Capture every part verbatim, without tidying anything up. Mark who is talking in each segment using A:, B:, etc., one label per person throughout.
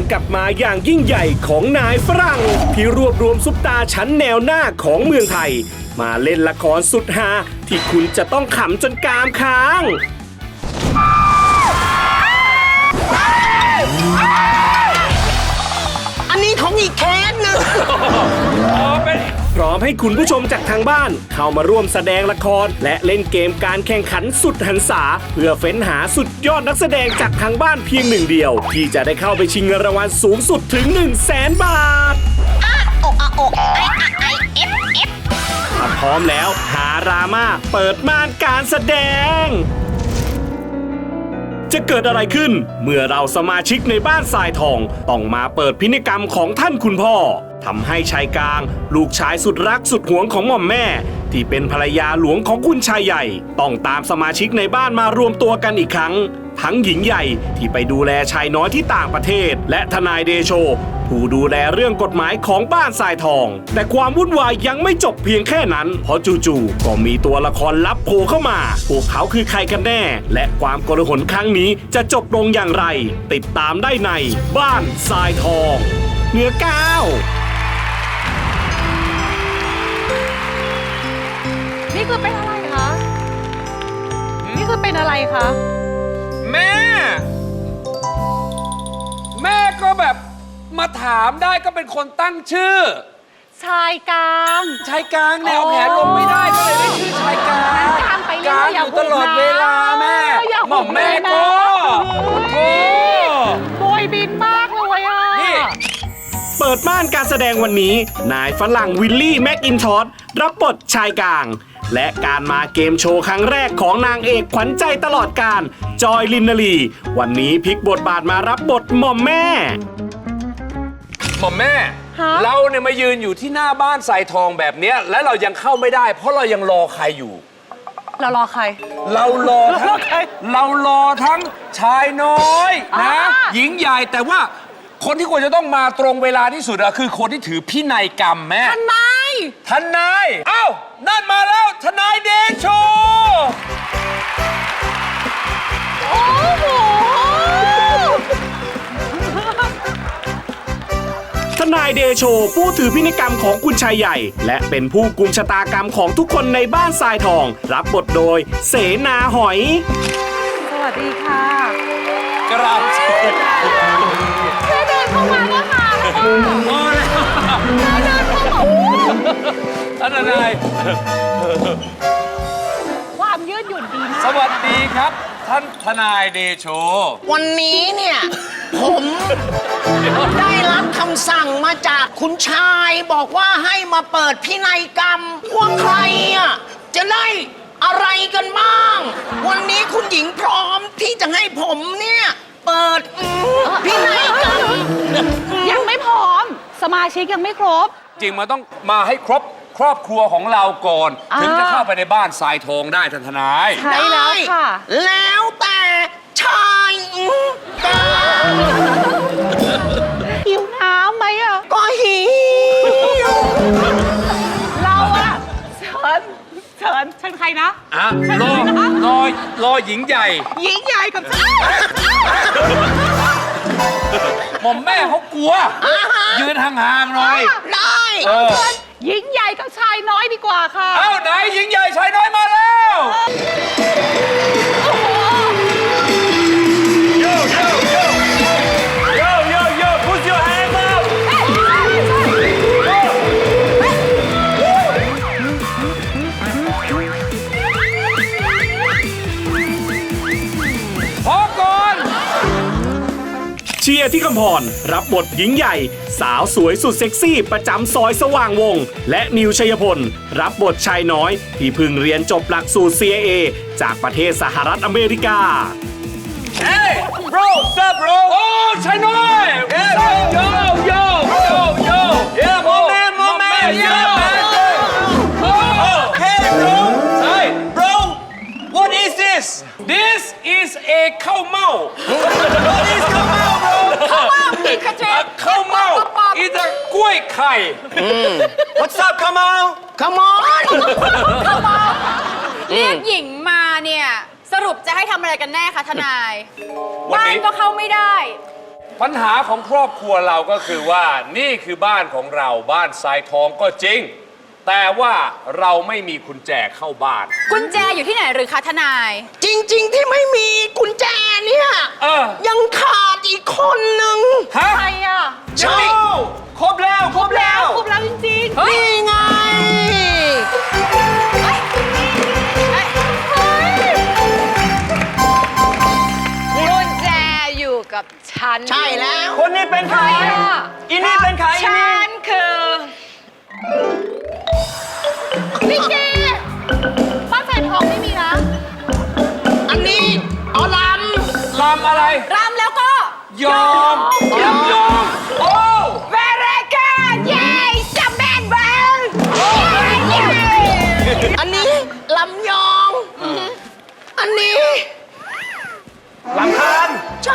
A: กลับมาอย่างยิ่งใหญ่ของนายฝรั่งที่รวบรวมซุปตาชั้นแนวหน้าของเมืองไทยมาเล่นละครสุดฮาที่คุณจะต้องขำจนกรามค้าง
B: อันนี้ของอีกแคสหนึ่ง
A: พร้อมให้คุณผู้ชมจากทางบ้านเข้ามาร่วมแสดงละครและเล่นเกมการแข่งขันสุดหันษาเพื่อเฟ้นหาสุดยอดนักแสดงจากทางบ้านเพียงหนึ่งเดียวที่จะได้เข้าไปชิงเงินรางวัลสูงสุดถึง หนึ่งแสน บาทถ้าพร้อมแล้วหารามาเปิดม่านการแสดงจะเกิดอะไรขึ้นเมื่อเราสมาชิกในบ้านทรายทองต้องมาเปิดพินัยกรรมของท่านคุณพ่อทำให้ชายกลางลูกชายสุดรักสุดหวงของหม่อมแม่ที่เป็นภรรยาหลวงของคุณชายใหญ่ต้องตามสมาชิกในบ้านมารวมตัวกันอีกครั้งทั้งหญิงใหญ่ที่ไปดูแลชายน้อยที่ต่างประเทศและทนายเดโชผู้ดูแลเรื่องกฎหมายของบ้านทรายทองแต่ความวุ่นวายยังไม่จบเพียงแค่นั้นเพราะจู่ๆก็มีตัวละครลับโผล่เข้ามาพวกเขาคือใครกันแน่และความโกลาหลครั้งนี้จะจบลงอย่างไรติดตามได้ในบ้านทรายทองเหนือเก้า
C: นี่คือเป็นอะไรคะ นี่คือเป็นอะไรคะ
D: แม่ แม่ก็แบบมาถามได้ก็เป็นคนตั้งชื่อ
C: ชายกลาง
D: ชายกลางแนวแผนลงไม่ได้ก็เลยได้ชื่อชายกลาง
C: กลางไปเรื่
D: ก
C: อย
D: ลาง
C: ๆ
D: อยู่ตลอดเวลาแม่
C: อย่า
D: หม่อมแม่ก็โธ่
C: โบยบินมากเลยอ่ะ
D: นี่
A: เปิดม่านการแสดงวันนี้นายฝรั่งวิลลี่แม็กอินทอสรับบทชายกลางและการมาเกมโชว์ครั้งแรกของนางเอกขวัญใจตลอดกาลจอยลินนาลีวันนี้พลิกบทบาทมารับบทหม่อมแม่
D: หม่อมแม่
C: ฮะ
D: เราเนี่ยมายืนอยู่ที่หน้าบ้านทรายทองแบบเนี้ยและเรายังเข้าไม่ได้ เพราะเรายังรอใครอยู่
C: เรารอใคร
D: เรารอทั้งเรารอทั้งชายน้อยนะ
C: อ่า
D: หญิงใหญ่แต่ว่าคนที่ควรจะต้องมาตรงเวลาที่สุดอะคือคนที่ถือพินัยกรรมแม่
C: ทนาย
D: ทนายเอ้านั่นมาแล้วทนายเดโช
C: โอ้โห
A: ทนายเดโชผู้ถือพินัยกรรมของคุณชายใหญ่และเป็นผู้กุมชะตากรรมของทุกคนในบ้านทรายทองรับบทโดยเสนาหอย
C: สวัสดีค่ะ
D: กราบ
C: แค่เดินเข้ามาก็ค่ะแล้วก็
D: พอแล้ว
C: แค่เดินเข้ามา
D: ท่านทนาย
C: ความยืดหยุ่นดีมาก
D: สวัสดีครับ ท่านทนายเดโช
B: วันนี้เนี่ย ผมได้รับคำสั่งมาจากคุณชายบอกว่าให้มาเปิดพินัยกรรมว่าใครอ่ะจะได้อะไรกันบ้าง วันนี้คุณหญิงพร้อมที่จะให้ผมเนี่ย เปิดอืมพินัยกรรม
C: ยังไม่พร้อม สมาชิกยังไม่ครบ
D: จริงมันต้องมาให้ครบครอบครัวของเราก่อน
C: อ่า
D: ถึงจะเข้าไปในบ้านทรายทองได้ท่านทนาย
C: ใช่แล้วค่ะ
B: แล้วแต่ชายอืมกรรม
C: หิวน้ำไหมอ่ะ
B: ก็หิว
C: เราอะเชิญเชิญเชิญใครนะ
D: อ่ะรอรอรอหญิงใหญ่
C: หญิงใหญ่กับฉัน
D: หม่อมแม่เขากลัว ยืนห่างๆหน่อย
B: ได้
D: เออ
C: หญิงใหญ่กับชายน้อยดีกว่าค่ะ
D: เอ้าไหนหญิงใหญ่ชายน้อยมาแล้ว Yo yo yo yo yo yo put your hands up พอก่อน
A: เชียร์ที่คำพรรับบทหญิงใหญ่ สาวสวยสุดเซ็กซี่ประจำซอยสว่างวง และนิวชัยพลรับบทชายน้อย ที่เพิ่งเรียนจบหลักสูตร ซี ไอ เอ จากประเทศสหรัฐอเมริกา
D: Hey bro what's up bro โอ้ชายน้อย What's up yo yo yo yo yeah my man my man yeah man oh hey bro ใช่ bro what is this this is a ข้าวเม่า what is ข้าวเม่า bro ข้าวเม่ามีกระเจี๊ยบข้าวเม่า is a กล้วยไข่ what's up ข้าวเม่า
B: Come on
E: เรียกหญิงมาเนี่ย สรุปจะให้ทำอะไรกันแน่คะทนาย
D: วัน
E: บ้าน
D: นี้
E: ก็เข้าไม่ได้
D: ปัญหาของครอบครัวเราก็คือว่านี่คือบ้านของเราบ้านทรายทองก็จริง แต่ว่าเราไม่มีกุญแจเข้าบ้าน
C: กุญแจอยู่ที่ไหนหรือคะทนาย
B: จริง ๆ ที่ไม่มีกุญแจเนี่ย
D: เออ
B: ยังขาดอีกคนหนึ่ง
D: ฮะ
C: ใครอ่ะ
B: ใช่
D: ครบแล้วครบแล้ว
C: ครบแล้วจริงๆ
B: นี่ไง
C: เฮ้ยเฮ้ยเฮ้ย
E: กุญแจอยู่กับฉัน
B: ใช่แล้ว
D: คนนี้เป็นใคร อีนี่เป็นใครอี
E: ฉั
D: นี่
E: นคือ
C: พี่เกบ้านแฟนทองไม่มีนะ
B: อันนี้เอาล
D: ลำอะไร
C: รำแล้วก็
D: ยอมยอมยอมโอ้
E: เวรกาเย้สแมนเบล
B: ำอันนี้ลำยอง อันนี้
D: ลำคาญ
B: ใช่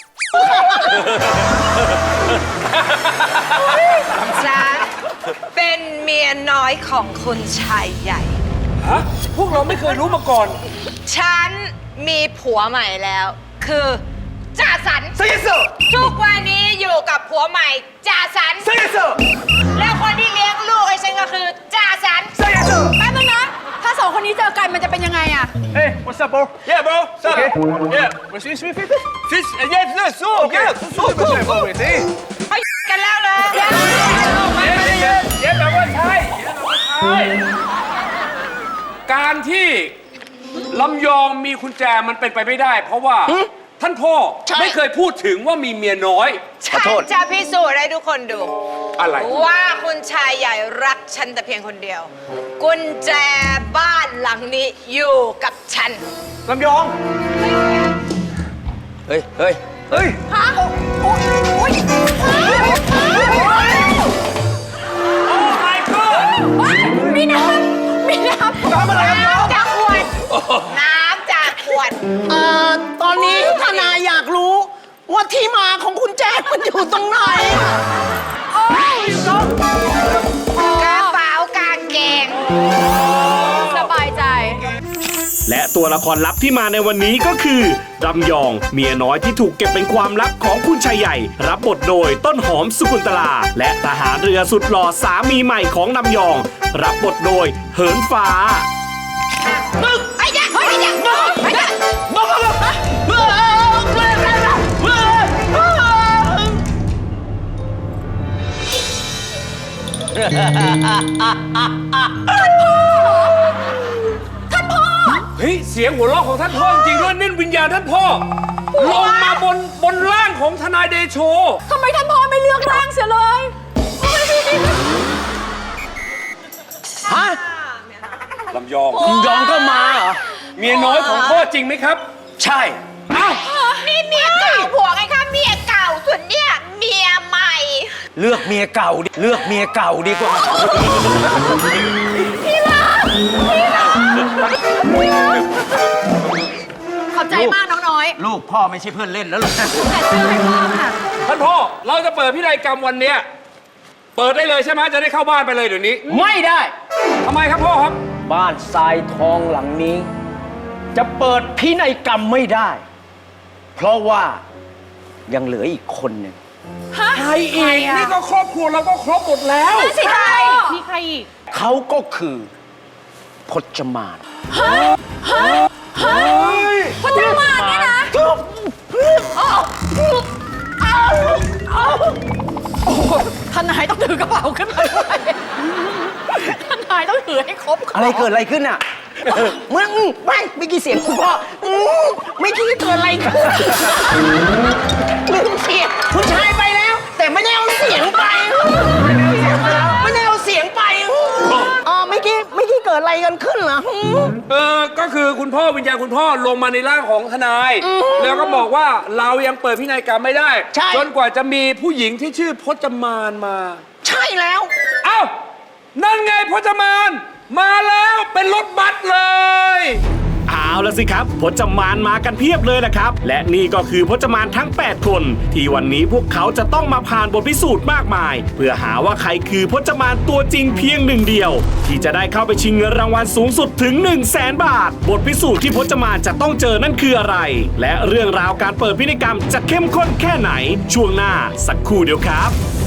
E: ฉันเป็นเมียน้อยของคุณชายใหญ่
D: ฮะ พวกเราไม่เคยรู้มาก่อน
E: ฉันมีผัวใหม่แล้ว คือจ่าสัน
D: ซิส
E: ทุกวันนี้อยู่กับผัวใหม่จ่าสัน
D: ซิส
E: แล้วคนที่เลี้ยงลูกไอ้ฉันก็คือจ่าสัน
D: ซิส
C: แป๊บนึงนะ ถ้าสองคนนี้เจอกันมันจะเป็นยังไงอะ
F: Hey, what's up, bro?
D: Yeah bro
F: Okay.
D: Yeah
F: What's this? Fish?
D: Fish Yes yes so
F: Okay.
D: yeah
F: So, what's up, wait, hey?
E: เขากันแล้วเลย
D: ไม่ไม่ได้เย็นเย็นแบบว่าใช่เย็นแบบว่าใช่การที่ลำยองมีกุญแจมันเป็นไปไม่ได้ เพราะว่าท่านพ่อ
B: ใช่
D: ไม่เคยพูดถึงว่ามีเมียน้อย
E: ฉันจะพิสูจน์ให้ทุกคนดู
D: อะไร
E: ว่าคุณชายใหญ่รักฉันแต่เพียงคนเดียว กุญแจบ้านหลังนี้อยู่กับฉัน
F: ลำยอง เฮ้ย เฮ้ย เฮ้ย
C: ฮะโอ้ยโอ้ย
D: โอ้ my god
C: มีน้ำมีน้ำ
F: น้ำอะไรครับน้อง
E: น้ำจากขวด น้ำจากขวด
B: เอ่อ ตอนนี้ทนายอยากรู้ว่าที่มาของคุณแจมันอยู่ตรงไหน
C: โอ้ยก็
E: กระเป๋ากางเกง
C: สบายใจ
A: และตัวละครลับที่มาในวันนี้ก็คือรำยองเมียน้อยที่ถูกเก็บเป็นความลับของคุณชายใหญ่ รับบทโดยต้นหอมสุกุลตลา และทหารเรือสุดหล่อสามีใหม่ของรำยอง รับบทโดยเหินฟ้า
E: มึงไอ้ยักษ์ไอ้ยักษ์มึงไอ้ยักษ์
D: เฮ้ย เสียงหัวเราะของท่านพ่อจริงด้วยนี่วิญญาณท่านพ่อลงมาบนบนร่างของทนายเดโช
C: ทำไมท่านพ่อไม่เลือกร่างเสียเลย
B: ฮะ
D: ลำยอง
F: ลำยองก็มาเหรอ
D: เมียน้อยของพ่อจริงไหมครับ
F: ใช่
D: เอ้า
E: นี่เมียเก่าผัวไงคะเมียเก่าส่วนเนี่ยเมียใหม่
F: เลือกเมียเก่าดิ เลือกเมียเก่าดีกว่า
C: ขอบใจมากน้องน้อย
F: ลูกพ่อไม่ใช่เพื่อนเล่นแล้วหรอก
C: แต่เชื่อให้พ่อค่ะ
D: ท่านพ่อ เราจะเปิดพินัยกรรมวันเนี้ยเปิดได้เลยใช่ไหมจะได้เข้าบ้านไปเลยเดี๋ยวนี้
F: ไม่ได้
D: ทำไมครับพ่อครับ
F: บ้านทรายทองหลังนี้ จะเปิดพินัยกรรมไม่ได้ เพราะว่ายังเหลืออีกคนหนึ่ง
D: ใครอีก นี่ก็ครอบครัวเราก็ครบหมดแล้ว
C: นั่นสิใครมีใครอีก
F: เขาก็คือพจมาน
C: พจมานเนี่ยนะทนายต้องถือกระเป๋าขึ้นมาด้วยทนายต้องถือให้ครบ
F: อะไรเกิดอะไรขึ้นอ่ะ
B: มึงไม่ไม่กี่เสียงคุณพ่ออืมไม่คิดเกิดอะไรขึ้นลืมเสียงคุณชายไปแล้ว แต่ไม่ได้เอาเสียงไปไม่ได้เอาเสียงไปอ๋อไม่กี้ไม่กี้เกิดอะไรกันขึ้นเหรอ
D: เออ ก็คือคุณพ่อวิญญาณคุณพ่อลงมาในร่างของทนาย แล้วก็บอกว่าเรายังเปิดพินัยกรรมไม่ได้
B: ใช่
D: จนกว่าจะมีผู้หญิงที่ชื่อพจมานมา
B: ใช่แล้ว
D: เอ้า นั่นไงพจมาน มาแล้วเป็นรถบัสเลย
A: เอาเอาละสิครับพจมานมากันเพียบเลยแหละครับ และนี่ก็คือพจมานทั้ง แปด คน ที่วันนี้พวกเขาจะต้องมาผ่านบทพิสูจน์มากมาย เพื่อหาว่าใครคือพจมานตัวจริงเพียงหนึ่งเดียว ที่จะได้เข้าไปชิงเงินรางวัลสูงสุดถึง หนึ่งแสน บาท บทพิสูจน์ที่พจมานจะต้องเจอนั่นคืออะไร และเรื่องราวการเปิดพินัยกรรมจะเข้มข้นแค่ไหนช่วงหน้าสักครู่เดียวครับ